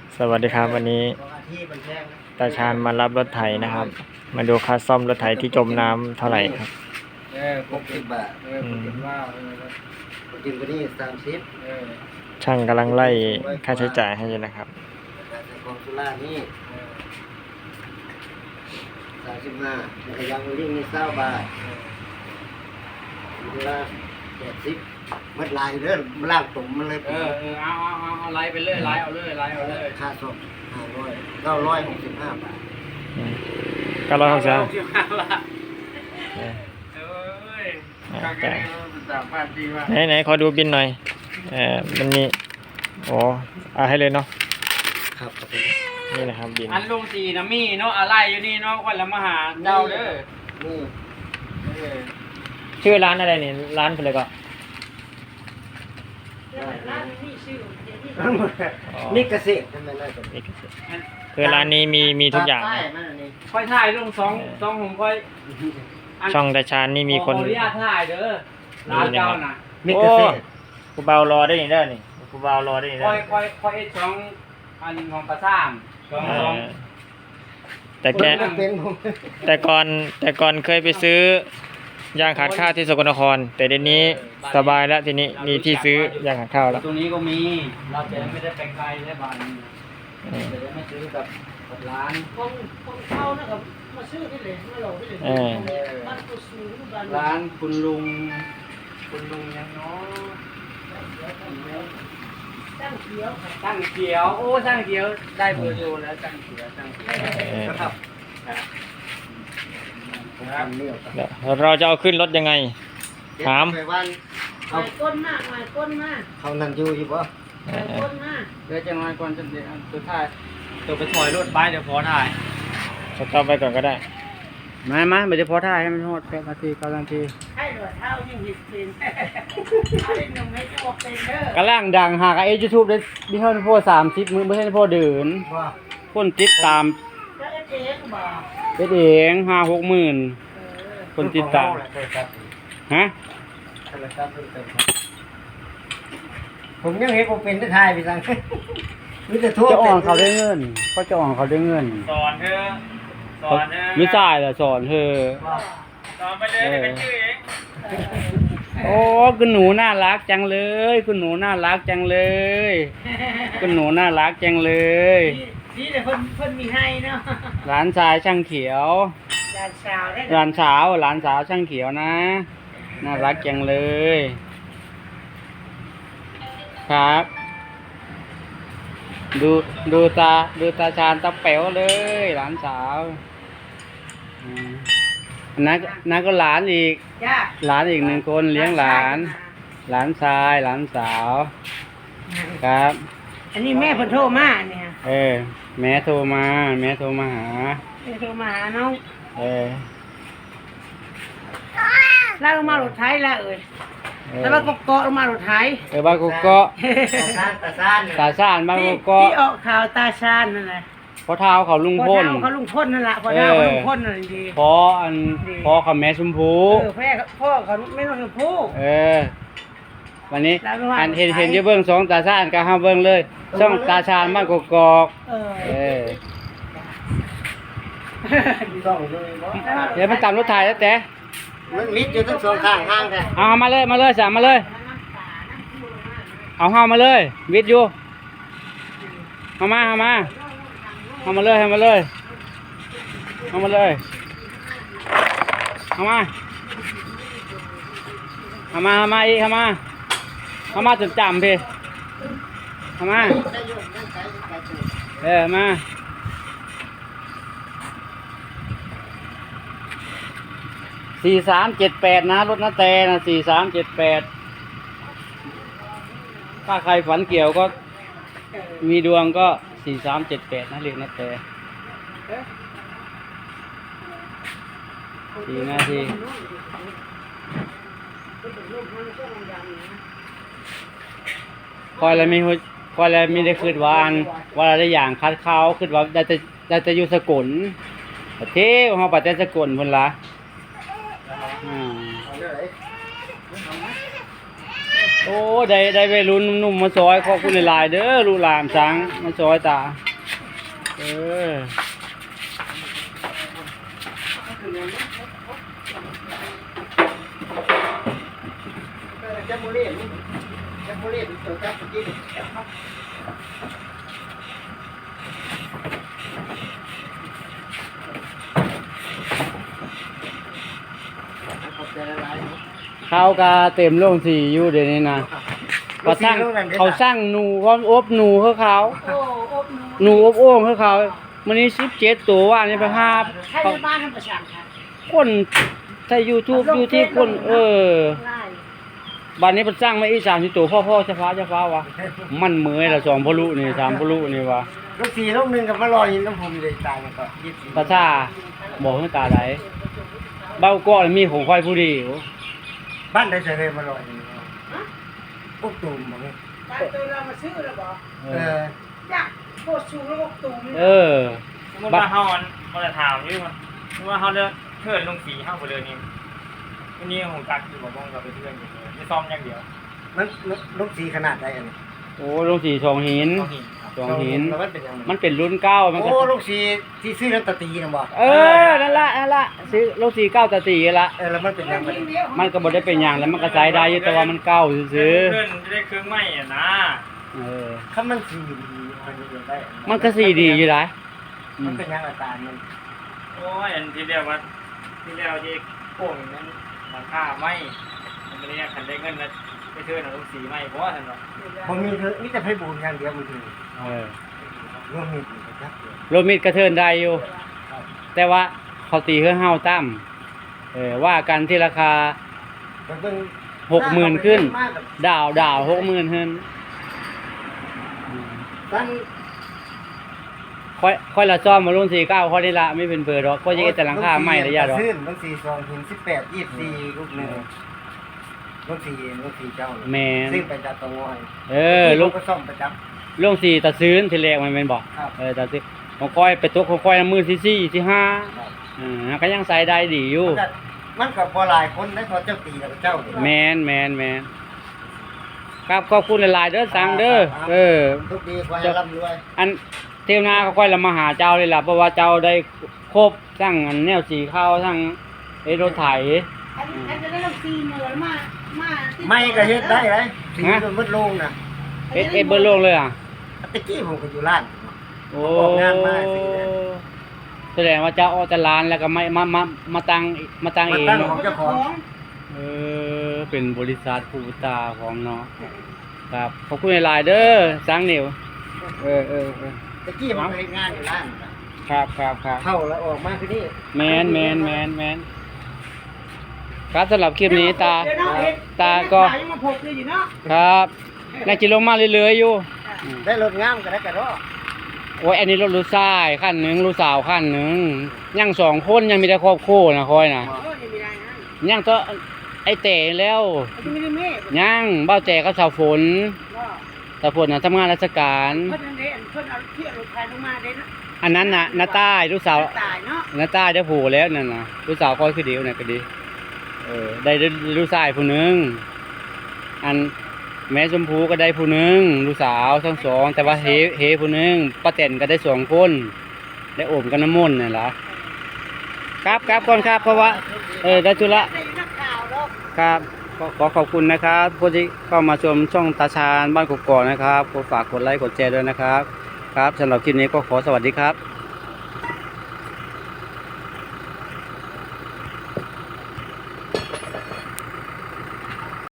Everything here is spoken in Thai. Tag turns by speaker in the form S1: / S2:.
S1: สวัสดีครับวันนี้ตาชาญมารับรถไถนะครับ มาดูค่าซ่อมรถไถที่จมน้ำเท่าไหร่ครับ
S2: 60 บาทจริงก็นี่30
S1: ช่างกำลังไล่ค่าใช้จ่ายให้อยู่นะครับ
S2: แต่ของสุรานี่35แล้วก็ยางลิงนี่20 บาทสุรา70มัดลายเด้อมาล่างตุ่มมันเลย
S3: เอาไล่ไปเลยไล่เอาเลย
S2: ค่าซ่อม965 บาท
S1: 965
S3: บาทดีว่ะ
S1: ไหนขอดูบินหน่อยมันมีโอ้เอาให้เลยเนาะ
S2: ครับ
S1: นี่นะครับบิน
S3: อันลุงสีนะมีเนาะอะไรอยู่นี่เนาะวันละมหาเจ้าเด้อ
S2: นี่
S1: ชื่อร้านอะไรนี่ร้านอะไรก็
S2: นี่เกษตรทำไมได้
S1: คือร้านนี้มีทุกอย่าง
S3: ค่อยถ่ายลงสองผมค่อย
S1: ช่องตาชาญนี่มีคน
S3: ขออนุญาตถ่ายเด้อร้านเจ้าน่ะ
S2: นี่เกษตร
S1: กูเบารอได้นี่เด้อนี่กูเบารอได้นี่เด้อ
S3: ค่อยสองอันของประสามสอง
S1: แต่ก่อนเคยไปซื้อยางขาดข้าวที่สกลนครแต่เดี๋ยวนี้สบายแล้วทีนี้มีที่ซื้อยางขาดข้าวแล้ว
S3: ตรงนี้ก็มีเราจะไม่ได้ไปไกลได้บ้านจะได้ไม่ซื้อกับร้าน
S4: ของเขานะครับมาซื้อที่เหลวมาหลอกที่เหลวบ้านกุสูง
S3: ร้านคุณลุงยังเนาะ
S4: ตั้งเขียว
S3: โอ้ตั้งเขียวได้เบอร์โทรแล้วตั้งเขียว
S2: ครับ
S1: เราจะเอาขึ้นรถยังไงถาม
S4: หน่อยก้นมาก
S2: เขานั่งอยู่ปะ
S4: ก้นมาก
S3: เดี๋ยวจะน้อยก่อนจะสุดท้ายตัวไปถอยรถไปเดี๋ยวพอถ่าย
S1: สต็อปไปก่อนก็ได้
S3: มาเดี๋ยวพอถ่ายให้มันหมด8 นาที9 นาที
S4: ให้หลวดเท้ายิ่งหิดเป็นเอาเล่นหนุ่มให้จะบอกเป็นเด้
S3: อกำลังดังหากยูทูบได้ที่เท่าพ่อ30มื้อไม่ใช่พ่อเดินคนติดตาม
S4: แล้วเองบอก
S3: เป็นเอง5-6 หมื่นคนติดตามฮะ
S2: ผมยังเห็นผมเป็นที่ไทยพี่สังมิจะทั่ว
S3: จะอ่อนเขาได้เงินก็จะอ่อนเขาได้เงิน
S1: สอนเธอ
S3: ไม่จ่ายเหรอสอนเธอ
S1: สอนไปเลยเป็นชื่อเอง
S3: โอ้คุณหนูน่ารักจังเลยคุณหนูน่ารักจังเลยคุณหนูน่ารักจังเลย
S4: นี่แต่คนมีให้เนาะ
S3: หลานชายช่างเขียว
S4: หลานสาว
S3: ช่างเขียวนะน่ารักจังเลยครับดูตาชาญตาแป๋วเลยหลานสาวนักก็หลานอีกหลานอีก1 คนเลี้ยงหลานชายหลานสาวครับ
S4: อันนี้แม่เพิ่นโทรมาเนี่ย
S3: แม่โทรมาหา
S4: น้องลากลงมารถไถแล้วแล้วบ้านกอกลงมารถไถ
S3: บ้านกอกตาชาญบ้านกอก
S4: ที่ออกข่าวตาชาญนั่นแหละ
S3: พอเท้าเขาลุงพ่น
S4: นั่นแหละพอเท้าลุงพ่นนั่นดี
S3: พอเขาแม่ชมพู
S4: พ่อเขาไม่ต้องชมพู
S3: วันนี้อันเห็นเยอะเบิ้ง2 ตาชาญก็ห้ามเบิ้งเลยช่องตาชาญบ้านกอกเดี๋ยวมันตามรถไถแล้วแต่
S2: มันมิดอยู่ทั้ง2 ข้างห้างแท้
S3: เอามาเลยสั่งมาเลยเอาห้ามาเลยวิทย์อยู่เอามาเลยเอามาจนจำพี่เอามามา4378นะรถนาแตนะ4378ถ้าใครฝันเกี่ยวก็มีดวงก็4378นะเรียกนาแต4 นาทีคอยอะไรมีได้คืนว่าได้อย่างคัดเขาคืนว่าจะอยู่สกุลประเทศเขาปัจจัยสกุลพุ่นละโอ้ได้วัยรุ่นหนุ่มๆมาซอยขอบคุณหลายๆเด้อลูกหลานสังมาซอยตาเออ
S2: จับโมเล่จับโมเล่ตัวจับกินขอบใจละลาย
S3: ข้าวกาเต็มโรงสีอยู่เดี๋ยวนี้นะเขาสร้างหนูเขาอบหนูเขา
S4: โอ้อบหนู
S3: หนูอบโอ่งเขามันนี้17ตัวว่านี่ไปหา
S4: ใช้ในบ้านทำประชันค่ะ
S3: คนใช้ YouTube คน
S4: ง่าย
S3: บ้านนี้มันสร้างมาอีก30ตัวพ่อเฉพาะวะมันเหมื่อยละ2พลุนี่3พลุนี่วะ
S2: ลูก4ลูก1กับมาลอยน้ำผมเลยตายมันก็24
S3: ภาษาบอกให้ตาไหลเบ้าก้อนมีของค่อยผู้เดียว
S2: บ้านได้เฉยมาลอยปุ๊บตุ่มบ่
S4: การตัวเรามาซื้อแล้วบอก อยากโคตรสูงแล้วก็ตูม
S3: เออ
S1: สมมุติว่าเฮามันจะถามอยู่ว่าสมมุติว่าเฮาเลือกเทิดลงสีเฮาบ่เลยนี่วันนี้ผมตักอยู่บ่บ่กับไปเทื่อนอยู่เลยไม่ซ่อมอย่างเดียว
S2: มันลูก4ขนาดใดอันนี้
S3: โอ้ลงสีสองหิน
S1: ต้องเห็นครับ
S3: สองหิน
S2: แล้วมันเป็นยังไง
S3: มันเป็นรุ่นเก้ามันก็
S2: โอ้ลูก4ที่ซื้อน้ำตาตีนะบ่
S3: เออนั่นละซื้อลงสีเก้าตะตีละ
S2: แล้วมันเป็นยังไง
S3: มันก็บ่ได้เป็นอย่างแล้วมันก็ใช้ได้อยู่แต่ว่ามันเก้าซื้อ
S1: เพื่อนจะได้เครื่องไหม้อ่ะนะ
S3: เออ
S2: ถ้ามันสีดีมันจะได้
S3: มันก็สีดีอยู่หลาย
S2: มันเป็นยังอาการมัน
S1: โอ้ยอันที่เรียกว่าที่เรียกว่าที่โป่งนั้นราคาไหม้มันเป็นเนี่ยคันได้เงินนะไปเทื่อนเอาลงสีไหม้เพราะว่าท่านว่า
S2: บ่มีเธอมีแต่ไผบูนอย่างเดียวมันคือ
S3: เออ
S2: รวมมีอยู่ครับ
S3: โรมิดกระเทินได้อยู่ แต่ว่าเขาตีเฮือเฮาตั้มว่ากันที่ราคา
S2: มันเป็น
S3: 60,000ขึ้น ดาว60,000ขึ้น
S2: ตั้ง
S3: ค่อยละซ่อมมารุ่น49ค่อยได้ละไม่เป็นเบอร์ดอกก็ยังแต่หลังคาไม่ระยะดอก
S2: ซื้อลูก4 2ถึง18 24ลูก1ลูก4เจ้า
S3: แม่น
S2: ซื้อไปจากตะงอย
S3: ลูก
S2: ก็ซ่อมประจำ
S3: ลง4ตะซื้นทีแรกมันแม่นบ่
S2: ครับ
S3: ตะซื้อของค่อยไปตกของค่อยมือที่4ที่5ก็ยังใส่ได้ดีอยู่
S2: มันก็บ่หลายคนนะพอเจ้าตีแล้วก็เจ้า
S3: แม่นครับขอบคุณหลายๆเด้อสังเด้อ
S2: ทุกดีขอให้ร่ำรวย
S3: อันเที่ยวหน้าก็ค่อยละมาหาเจ้าเลยล่ะเพราะว่าเจ้าได้ครบทั้งอันแนวสีข้าวทั้งรถไถ
S4: อันจะได้ลำซีเหนือมา
S2: ไม่ก็เฮ็ดได้เลยสีมันมืดลงน่ะ
S3: เบิดโลกเลยอ่ะ
S2: ตะกี้ผมก็อยู่ร้าน
S3: โอ้
S2: ออกงานมาสิ
S3: แสดงว่าเจ้าออกจากร้านแล้วก็มาตั้งเอง
S2: มาตั้งของเจ้าของ
S3: เป็นบริษัทผู้ตาของเนาะครับขอบคุณหลายๆเด้อสังเหนียว
S2: ตะกี้ผมเฮ็ดงานอยู่ร้านน่ะ
S3: ครับ
S2: เข้าแล้วออกมาคือนี่
S3: แมนครับสำหรับคลิปนี้ตาก็
S4: ยังมาพบอยู่เนาะ
S3: ครับน่าจะลงมาเรื่อยๆอยู่
S2: ได้รถงามก็ได้กระรอ
S3: โอ้ยอันนี้รถลูกชายขั้นหนึ่งลูกสาวขั้นหนึ่งยัง2 คนยังมีแต่ครอบครัวนะคอยนะ
S4: โอ้ยไม่ได้นะ
S3: ยังตัวไอ้เต๋แล้ว
S4: จะไม่ได้เมฆ
S3: ยังเบ้าแจก็สาวฝน
S4: ก็
S3: สาวฝนน่ะทำงานราชการ
S4: เพิ่นนั่นเด้เพิ่นเอาเที่ยวรถไฟลงมาเด้นะ
S3: อันนั้นน่ะน้าต้ายลูกสาว
S4: ตายเนาะ
S3: น้าต้ายได้ผูแล้วนั่นน่ะลูกสาวคอยคือเดียวน่ะก็ดีได้ลูกชายผู้หนึงอันแม่ชมพูก็ได้ผู้หนึงลูกสาวทั้งสองแต่ว่าเฮผู้หนึงป้าแตนก็ได้2 คนได้โอมกันน้ำมนต์นี่ล่ะครับก่อนครับเพราะว่าได้ธุระ
S4: ได้นักข่าวเนาะ
S3: ครับขอขอบคุณนะครับผู้ที่เข้ามาชมช่องตาชาญบ้านกกอกนะครับขอฝากกดไลค์กดแชร์ด้วยนะครับครับสำหรับคลิปนี้ก็ขอสวัสดีครับ